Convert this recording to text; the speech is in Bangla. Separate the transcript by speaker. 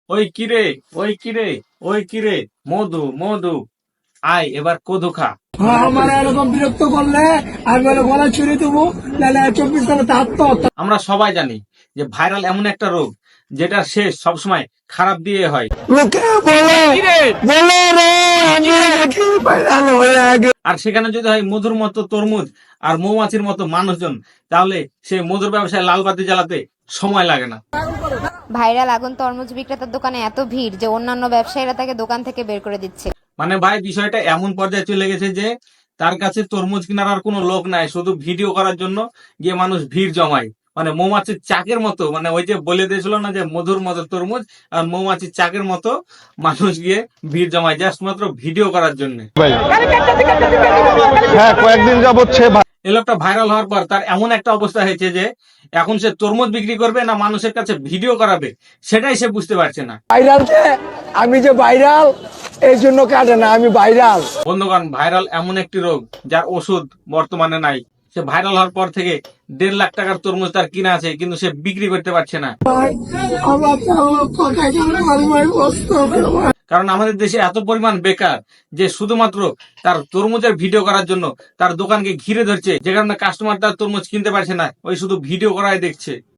Speaker 1: ওই কিরে, ওই কিরে, ওই কিরে, মধু মধু, আয় এবার কদু খা।
Speaker 2: আমার এরকম বিরক্ত করলে আমি বলে গলা ছুড়ে দেবো, নাহলে 24 ঘন্টাতে আত্মহত্যা।
Speaker 1: আমরা সবাই জানি যে ভাইরাল এমন একটা রোগ যেটা শেষ সবসময় খারাপ দিয়ে হয়।
Speaker 2: লোকে বলে বলে রে আমি নাকি ভাইরাল হয়ে আগে।
Speaker 1: আর সেখানে যদি হয় মধুর মতো তরমুজ আর মৌমাছির মতো মানুষজন, তাহলে সে মধুর ব্যবসায় লাল বাতি জ্বালাতে সময় লাগে না।
Speaker 3: ভাইরাল আগুন তরমুজ বিক্রেতার দোকানে এত ভিড় যে অন্যান্য ব্যবসায়ীরা তাকে দোকান থেকে বের করে দিচ্ছে।
Speaker 1: মানে ভাই, বিষয়টা এমন পর্যায়ে চলে গেছে যে তার কাছে তরমুজ কেনার আর কোনো লোক নাই, শুধু ভিডিও করার জন্য গিয়ে মানুষ ভিড় জমায়। মানে মৌমাছির চাকের মতো, মানে ওই যে বলে দিয়েছিল না যে মধুর মতো তরমুজ, আর মৌমাছির চাকের মতো মানুষ গিয়ে ভিড় জমায় জাস্ট মাত্র ভিডিও করার জন্য।
Speaker 4: ভাই হ্যাঁ, কয়েকদিন যাবত সে
Speaker 1: এই লোকটা ভাইরাল হওয়ার পর তার এমন একটা অবস্থা হয়েছে যে এখন সে তরমুজ বিক্রি করবে না মানুষের কাছে ভিডিও করাবে, সেটাই সে বুঝতে পারছে না।
Speaker 2: ভাইরাল আমি যে ভাইরাল এই জন্য কাটে না, আমি ভাইরাল।
Speaker 1: বন্ধুগণ, ভাইরাল এমন একটি রোগ যার ওষুধ বর্তমানে নাই। সে ভাইরাল হওয়ার পর থেকে 1.5 লাখ টাকার তরমুজ তার কিনা আছে, কিন্তু সে বিক্রি করতে পারছে না। কারণ আমাদের দেশে এত পরিমাণ বেকার যে শুধুমাত্র তার তরমুজের ভিডিও করার জন্য তার দোকানকে ঘিরে ধরছে, যে কারণে কাস্টমার তার তরমুজ কিনতে পারছে না, ওই শুধু ভিডিও করাই দেখছে।